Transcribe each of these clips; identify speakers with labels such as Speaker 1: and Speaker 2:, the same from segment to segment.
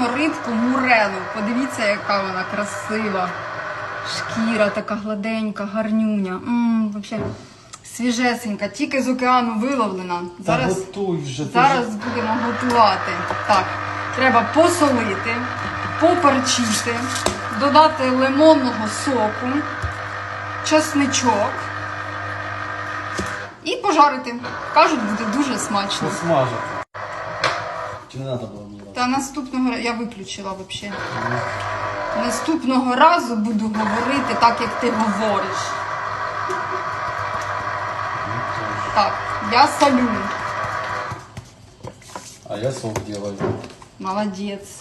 Speaker 1: маємо рибку мурелу. Подивіться, яка вона красива. Шкіра така гладенька, гарнюня. Взагалі свіжесенька, тільки з океану виловлена. Зараз будемо готувати. Так, треба посолити, поперчити, додати лимонного соку, чесничок і пожарити. Кажуть, буде дуже смачно.
Speaker 2: Посмажити. Чи не треба було мені?
Speaker 1: Та наступного разу, я виключила взагалі. Наступного разу буду говорити так, як ти говориш. Так, я солю.
Speaker 2: А я сок делаю.
Speaker 1: Молодець.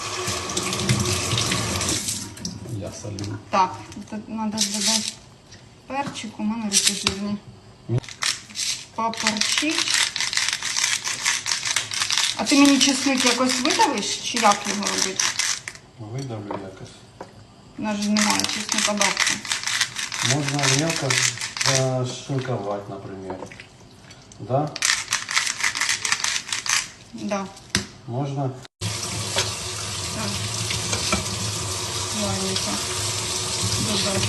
Speaker 2: Я солю.
Speaker 1: Так, тут треба додати перчик, у мене руки жирні. Поперчить. А ти мені чесник якось видавиш, чи як його робити?
Speaker 2: Видавлю якось.
Speaker 1: У нас же немає чесника давки.
Speaker 2: Можна мелко зашинковать, например. Да?
Speaker 1: Да.
Speaker 2: Можно?
Speaker 1: Так. Ладненько. Додати.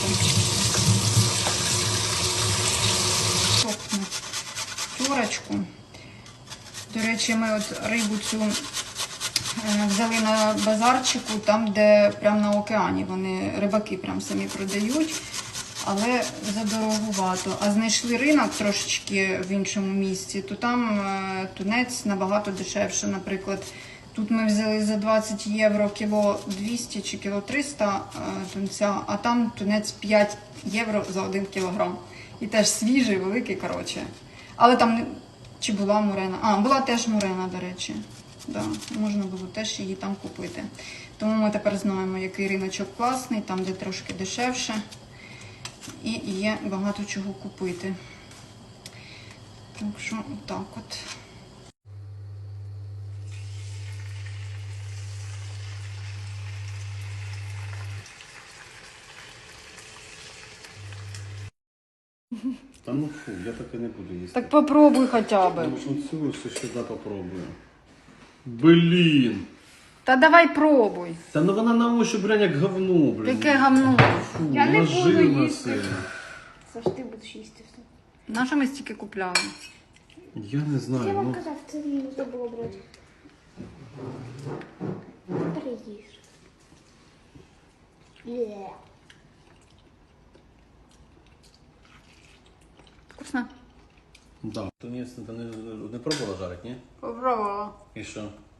Speaker 1: Сохне. Тюрочку. До речі, ми от рибу цю взяли на базарчику, там, де прямо на океані. Вони рибаки прям самі продають, але задорогувато. А знайшли ринок трошечки в іншому місці, то там тунець набагато дешевше. Наприклад, тут ми взяли за 20 євро кіло 200 чи кіло 300 тунця, а там тунець 5 євро за 1 кілограм. І теж свіжий, великий, коротше. Але там чи була мурена? А, була теж мурена, до речі. Да, можна було теж її там купити. Тому ми тепер знаємо, який риночок класний, там, де трошки дешевше. І є багато чого купити. Так що, отак от.
Speaker 2: Та ну фу, я так і не буду їсти.
Speaker 1: Так попробуй хоча б.
Speaker 2: Оцю все сюди попробую. Блін!
Speaker 1: Та давай пробуй.
Speaker 2: Та ну вона на ощупь прям як говно, блін.
Speaker 1: Яке гамно.
Speaker 2: Фу,
Speaker 1: Я не
Speaker 2: вона
Speaker 1: буду
Speaker 2: жирна
Speaker 1: їсти.
Speaker 2: сильно.
Speaker 3: Саш, ти будеш їсти все.
Speaker 1: На що ми стільки купляли?
Speaker 2: Я не знаю,
Speaker 3: Я вам
Speaker 2: ну.
Speaker 3: казав, це не можна було брати. Переїж. Є.
Speaker 1: Вкусно?
Speaker 2: Да. Тунець ти не пробувала жарити, ні?
Speaker 1: Попробувала.
Speaker 2: І що?